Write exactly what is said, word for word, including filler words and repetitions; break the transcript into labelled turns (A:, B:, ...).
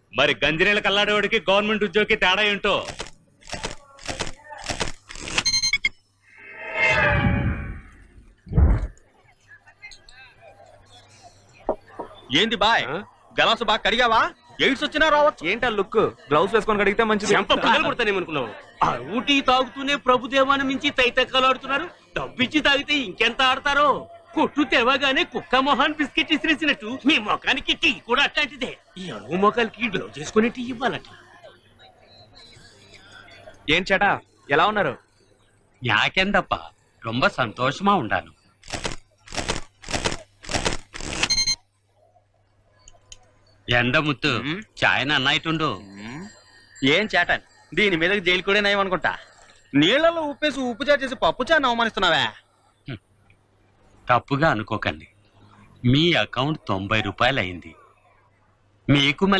A: మరి గంజిరేళ్ళ కల్లాడేవాడికి గవర్నమెంట్ ఉద్యోగికి తేడా ఏంటో.
B: ఏంది బాయ్ గలాసు బాగా కడిగావా? ఎయిడ్స్ వచ్చినా రావచ్చు.
C: ఏంటా లుక్? గ్లౌస్ వేసుకొని కడిగితే మంచిది.
D: చెంప పగలు కొడతానేమనుకున్నావు? ఆ ఊటీ తాగుతూనే ప్రభుదేవాన్ని మించి తైతక్కలు ఆడుతున్నారు. డబ్బిచ్చి తాగితే ఇంకెంత ఆడతారో. కొట్టు తెవగానే కుక్క మొహాన్ బిస్కెట్ ఇసిరేసినట్టు మీ మొఖానికి టీ కూడా అట్లాంటిదే. ఈ అడుగు మొఖాలకి గ్లౌజ్ చేసుకుని టీ ఇవ్వాలట.
C: ఏం చేటా ఎలా ఉన్నారు?
E: యాకెందప్ప రొంబ సంతోషమా ఉండాను. ఎండ ముత్తు చాయన అన్నాయిటుండు.
B: ఏం చేటాను దీని మీద జైలు కూడా నయం అనుకుంటా. నీళ్లలో ఉప్పేసి ఉప్పు చాటు చేసి పప్పు చాన్ని అవమానిస్తున్నావా?
E: తప్పుగా అనుకోకండి. మీ అకౌంట్ తొంభై రూపాయలు అయింది. మీకు